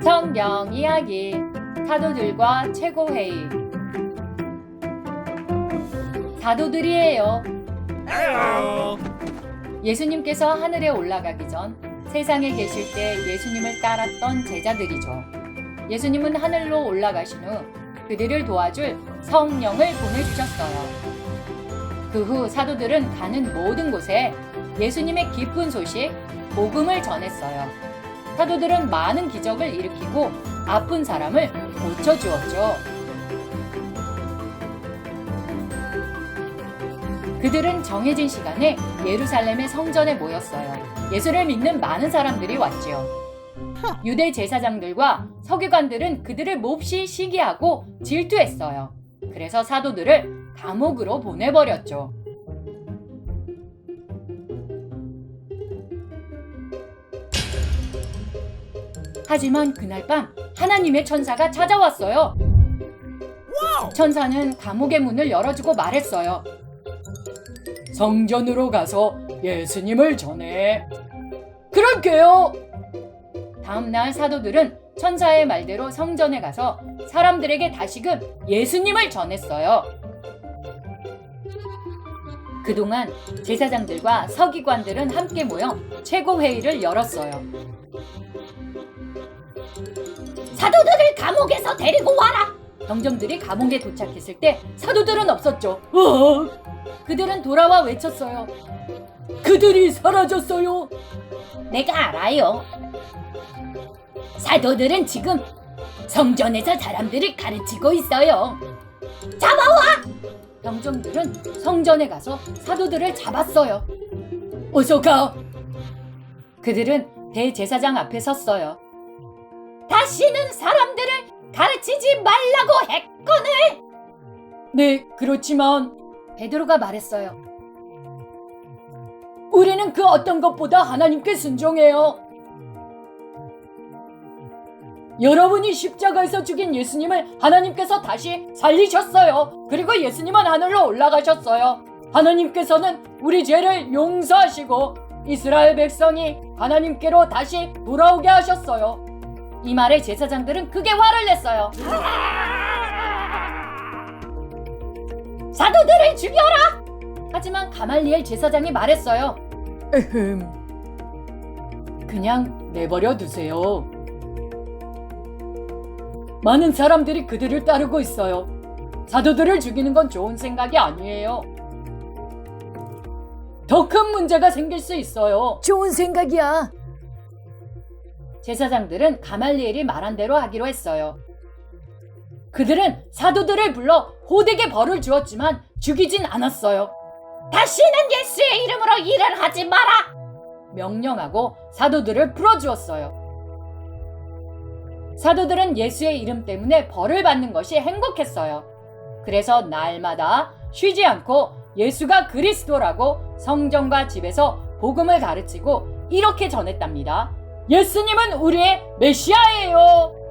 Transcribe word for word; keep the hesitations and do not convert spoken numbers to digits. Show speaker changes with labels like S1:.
S1: 성경 이야기 사도들과 최고회의. 사도들이에요. 예수님께서 하늘에 올라가기 전 세상에 계실 때 예수님을 따랐던 제자들이죠. 예수님은 하늘로 올라가신 후 그들을 도와줄 성령을 보내주셨어요. 그 후 사도들은 가는 모든 곳에 예수님의 기쁜 소식, 복음을 전했어요. 사도들은 많은 기적을 일으키고 아픈 사람을 고쳐주었죠. 그들은 정해진 시간에 예루살렘의 성전에 모였어요. 예수를 믿는 많은 사람들이 왔지요. 유대 제사장들과 서기관들은 그들을 몹시 시기하고 질투했어요. 그래서 사도들을 감옥으로 보내버렸죠. 하지만 그날 밤 하나님의 천사가 찾아왔어요. 천사는 감옥의 문을 열어주고 말했어요. 성전으로 가서 예수님을 전해. 그럴게요. 다음날 사도들은 천사의 말대로 성전에 가서 사람들에게 다시금 예수님을 전했어요. 그동안 제사장들과 서기관들은 함께 모여 최고회의를 열었어요. 사도들을 감옥에서 데리고 와라! 병정들이 감옥에 도착했을 때 사도들은 없었죠. 어! 그들은 돌아와 외쳤어요. 그들이 사라졌어요. 내가 알아요. 사도들은 지금 성전에서 사람들을 가르치고 있어요. 잡아와! 병정들은 성전에 가서 사도들을 잡았어요. 어서 가! 그들은 대제사장 앞에 섰어요. 다시는 사람들을 가르치지 말라고 했거늘. 네, 그렇지만 베드로가 말했어요. 우리는 그 어떤 것보다 하나님께 순종해요. 여러분이 십자가에서 죽인 예수님을 하나님께서 다시 살리셨어요. 그리고 예수님은 하늘로 올라가셨어요. 하나님께서는 우리 죄를 용서하시고 이스라엘 백성이 하나님께로 다시 돌아오게 하셨어요. 이 말에 제사장들은 크게 화를 냈어요. 사도들을 죽여라! 하지만 가말리엘 제사장이 말했어요. 에헴, 그냥 내버려 두세요. 많은 사람들이 그들을 따르고 있어요. 사도들을 죽이는 건 좋은 생각이 아니에요. 더 큰 문제가 생길 수 있어요. 좋은 생각이야. 제사장들은 가말리엘이 말한 대로 하기로 했어요. 그들은 사도들을 불러 호되게 벌을 주었지만 죽이진 않았어요. 다시는 예수의 이름으로 일을 하지 마라! 명령하고 사도들을 풀어주었어요. 사도들은 예수의 이름 때문에 벌을 받는 것이 행복했어요. 그래서 날마다 쉬지 않고 예수가 그리스도라고 성전과 집에서 복음을 가르치고 이렇게 전했답니다. 예수님은 우리의 메시아예요.